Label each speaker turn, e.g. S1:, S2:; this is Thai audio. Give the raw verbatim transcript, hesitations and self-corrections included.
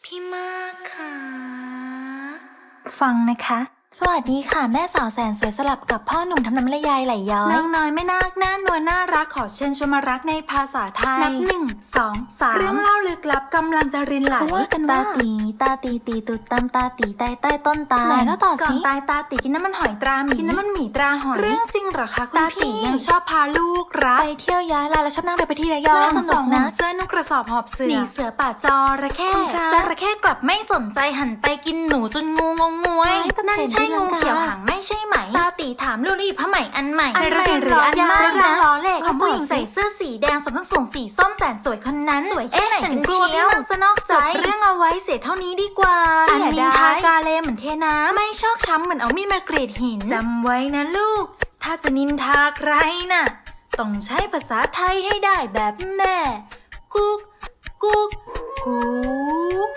S1: พี่มากค่ะ
S2: ฟังนะคะ สวัสดีค่ะแม่สาวแสนสวยสลับกับพ่อหนุ่มทำน้ำละยายไหลย้อยน้องน้อยไม่น่าหน้านวลน่ารักขอเชิญชวนมารักในภาษาไทยนับหนึ่งสองสามเรื่องเล่าลึกลับกำลังจะรินไหลว่ากันว่าตาตีตาตีตีตุดตำตาตีใต้ใต้ต้นตาลไหนแล้วต่อสิก่อนตายตาตีกินน้ำมันหอยตราหมีกินน้ำมันหมีตราหอยเรื่องจริงเหรอคะคุณพี่ตาตียังชอบพาลูกรักไปเที่ยวย้ายลาแล้วชอบนั่งเรือไปที่ระยองสองนะเสื้อนุ่งกระสอบหอบเสือหนีเสือป่าจระเข้จระเข้กลับไม่สนใจหันไปกินหนูจนงูงงงวยนั่นใช่งูเขียวหางไม่ใช่ไหมตาตีถามลูรีผ้าไหมอันใหม่อันใหม่หรืออันมากนะล้อเล่ของผู้หญิงใส่เสื้อสีแดงสวมส้นสูงสีส้มแสนสวยคนนั้นสวยแค่ไหนกันเชียวจะนอกใจเรื่องเอาไว้เสียเท่านี้ดีกว่าอันนินทากาเลเหมือนเทน้ำไม่ชอกช้ำเหมือนเอามีดมากรีดหินจำไว้นะลูกถ้าจะนินทาใครน่ะต้องใช้ภาษาไทยให้ได้แบบแม่กุ๊กกุ๊กกุ๊ก